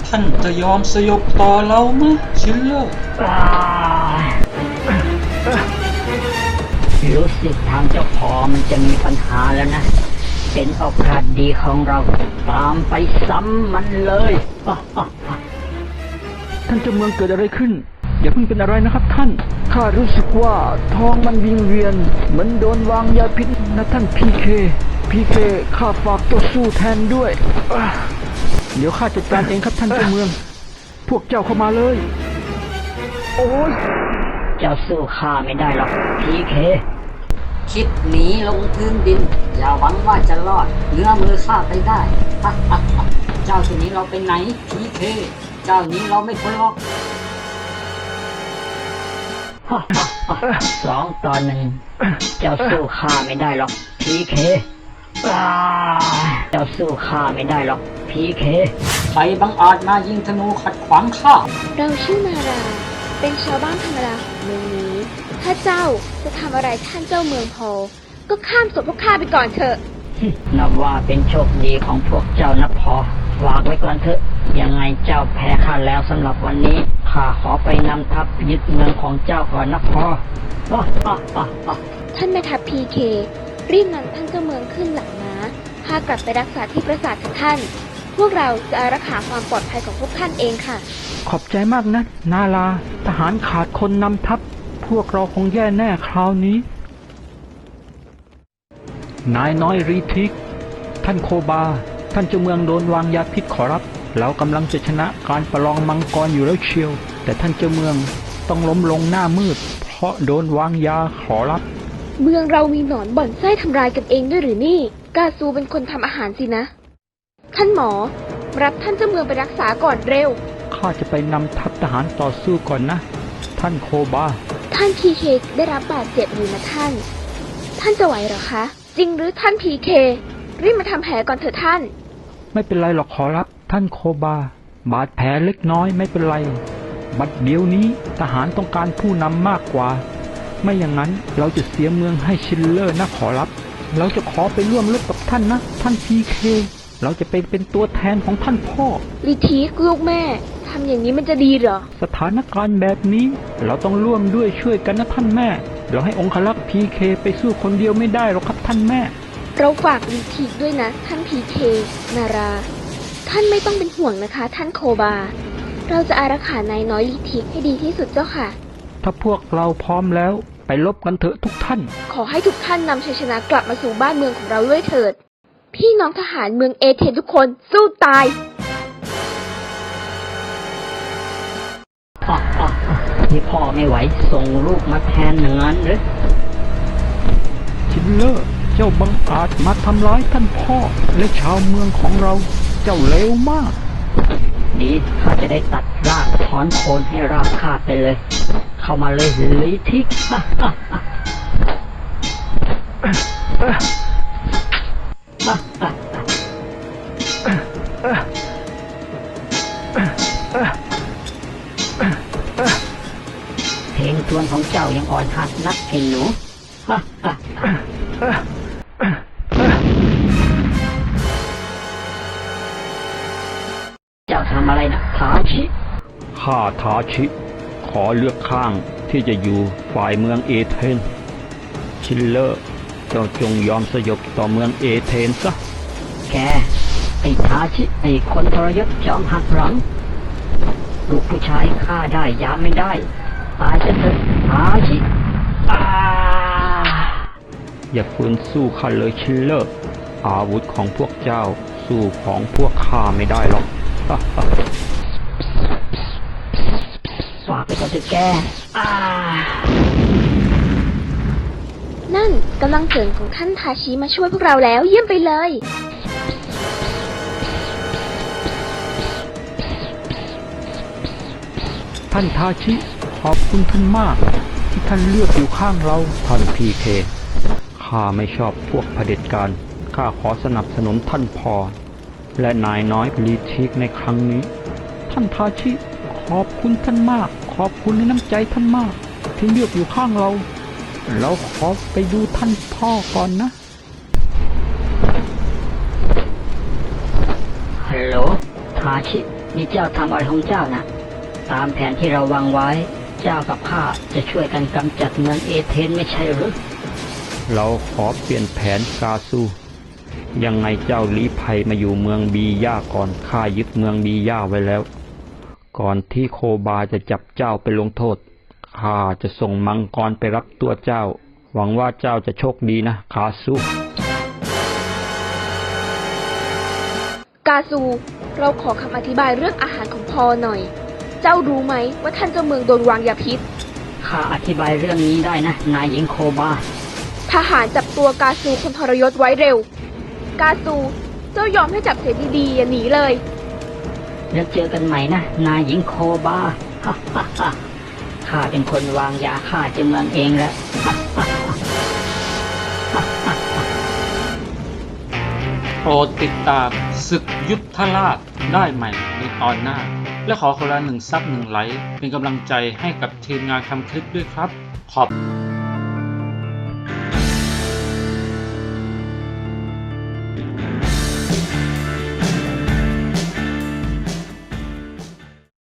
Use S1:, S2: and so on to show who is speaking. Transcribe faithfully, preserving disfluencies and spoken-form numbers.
S1: ท่านจะยอมสยบต่อเราไหมชิลเลอร์
S2: รู้สึกทางเจ้าพอมันจะมีปัญหาแล้วนะเป็นโอกาสดีของเราตามไปซ้ำมันเลย
S3: ท่านเจ้าเมืองเกิดอะไรขึ้นอย่าเพิ่งเป็นอะไรนะครับท่านข้ารู้สึกว่าท้องมันวิงเวียนเหมือนโดนวางยาพิษนะท่านพีเคพีเคข้าฝากตัวสู้แทนด้วยเดี๋ยวข้าจัดการเองครับท่านเจ้าเมืองพวกเจ้าเข้ามาเลยโอ้ย
S2: เจ้าสู้ข้าไม่ได้หรอกพีเคคิดหนีลงพื้นดินอย่าหวังว่าจะรอดเนื้อมือข้าไปได้เจ้าจะหนีเราไปไหนพีเคเจ้านี้เราไม่พ้นหรอกสองต่อหนึ่งเจ้าสู้ข้าไม่ได้หรอกพีเคเจ้าสู้ข้าไม่ได้หรอกพีเคใครบังอาจมายิงธนูขัดขวางข้า
S4: เราชื่อมาราเป็นชาวบ้านธรรมดาเมืองนี้ถ้าเจ้าจะทำอะไรท่านเจ้าเมืองพอก็ข้ามศพพวกข้าไปก่อนเถอะ
S2: นับว่าเป็นโชคดีของพวกเจ้านะพอฝากไว้ก่อนเถอะยังไงเจ้าแพ้ข้าแล้วสำหรับวันนี้ข้าขอไปนำทัพยึดเมืองของเจ้าก่อนนะพอ
S4: ท่านแม่ทัพพีเครีบนำท่านเจ้าเมืองขึ้นหลังม้าพากลับไปรักษาที่ปราสาทท่านพวกเราจะอารักขาความปลอดภัยของพวกท่านเองค่ะ
S3: ขอบใจมากนะนาลาทหารขาดคนนำทัพพวกเราคงแย่แน่คราวนี้นายน้อยรีทิกท่านโคบาท่านเจ้าเมืองโดนวางยาพิษขอรับเรากำลังจะชนะการประลองมังกรอยู่แล้วเชียวแต่ท่านเจ้าเมืองต้องล้มลงหน้ามืดเพราะโดนวางยาขอรับ
S4: เมืองเรามีหนอนบ่อนไส้ทำลายกันเองด้วยหรือนี่กาซูเป็นคนทำอาหารสินะท่านหมอรับท่านเจ้าเมืองไปรักษาก่อนเร็ว
S3: ข้าจะไปนำทัพทหารต่อสู้ก่อนนะท่านโคบา
S4: ท่านพีเคได้รับบาดเจ็บอยู่นะท่านท่านจะไหวหรอคะจริงหรือท่านพีเครีบมาทำแผลก่อนเถอะท่าน
S3: ไม่เป็นไรหรอกขอรับท่านโคบาบาดแผลเล็กน้อยไม่เป็นไรบัดเดี๋ยวนี้ทหารต้องการผู้นำมากกว่าไม่อย่างนั้นเราจะเสียเมืองให้ชิลเลอร์นะขอรับเราจะขอไปร่วมรบกับท่านนะท่านพีเคเราจะเป็นเป็นตัวแทนของท่านพ่อ
S4: ลิทีกลูกแม่ทำอย่างนี้มันจะดีเหรอ
S3: สถานการณ์แบบนี้เราต้องร่วมด้วยช่วยกันนะท่านแม่เราให้องครักษ์พีเคไปสู้คนเดียวไม่ได้หรอกครับท่านแม่
S4: เราฝากลิทีกด้วยนะท่านพีเคนาราท่านไม่ต้องเป็นห่วงนะคะท่านโคบาเราจะอารักขานายน้อยลิทีกให้ดีที่สุดเจ้าค่ะ
S3: ถ้าพวกเราพร้อมแล้วไปรบกันเถอะทุกท่าน
S4: ขอให้ทุกท่านนำชัยชนะกลับมาสู่บ้านเมืองของเราด้วยเถิดพี่น้องทหารเมืองเอเธนทุกคนสู้ตาย
S2: ที่พ่อไม่ไหวส่งลูกมาแทนอย่างนั้นหรือ
S3: ชิลเลอร์เจ้าบังอาจมาทำร้ายท่านพ่อและชาวเมืองของเราเจ้าเลวมาก
S2: ดีข้าจะได้ตัดรากถอนโคนให้ราบคาบไปเลยเข้ามาเลยลิทิกเพลงทวนของเจ้ายังอ่อนหัดนักเห็นหนูเจ้าทำอะไรนะทาชิ
S3: ข้าทาชิขอเลือกข้างที่จะอยู่ฝ่ายเมืองเอเธนชิลเลอร์เจ้าจงยอมสยบต่อเมืองเอเธนซะ
S2: แกไอ้ทาชิไอ้คนทรยศจอมหักหลังลูกผู้ชายฆ่าได้ยามไม่ได้ตายจะเถอะทาชิ
S3: อย่าฝืนสู้ข้าเลยชิลเลอร์อาวุธของพวกเจ้าสู้ของพวกข้าไม่ได้หรอก
S2: ฝากไปก่อนเถอะแก
S4: นั่นกำลังเสริมของท่านทาชิมาช่วยพวกเราแล้วเยี่ยมไปเลย
S3: ท่านทาชิขอบคุณท่านมากที่ท่านเลือกอยู่ข้างเราท่านพีเคข้าไม่ชอบพวกเผด็จการข้าขอสนับสนุนท่านพอและนายน้อยลีทิกในครั้งนี้ท่านทาชิขอบคุณท่านมากขอบคุณในน้ำใจท่านมากที่เลือกอยู่ข้างเราเราขอไปดูท่านพ่อก่อนนะ
S2: ฮัลโหลทาชินี่เจ้าทำอะไรของเจ้านะตามแผนที่เราวางไว้เจ้ากับข้าจะช่วยกันกำจัดเมืองเอเธนไม่ใช่หรือ
S3: เราขอเปลี่ยนแผนกาซูยังไงเจ้าลี้ภัยมาอยู่เมืองบีย่าก่อนข้ายึดเมืองบีย่าไว้แล้ว ก่อนที่โคบาจะจับเจ้าไปลงโทษข้าจะส่งมังกรไปรับตัวเจ้า หวังว่าเจ้าจะโชคดีนะคาซู
S4: กาซู เราขอคำอธิบายเรื่องอาหารของพอหน่อย เจ้ารู้ไหมว่าท่านเจ้าเมืองโดนวางยาพิษ
S2: ข้าอธิบายเรื่องนี้ได้นะนายหญิงโคบา
S4: ทหารจับตัวกาซูคนทรยศไว้เร็ว กาซู เจ้ายอมให้จับเสียดีๆอย่าหนีเลย
S2: แล้วเจอกันใหม่นะนายหญิงโคบา ฮ่าฮ่าฮ่าข้าเป็นคนวางยาฆ่าเจ้าเมืองเองแหละ
S1: โปรดติดตามศึกยุทธราชได้ใหม่ในตอนหน้า และขอคนละหนึ่งซับหนึ่งไลค์เป็นกำลังใจให้กับทีมงานทำคลิปด้วยครับ ขอบ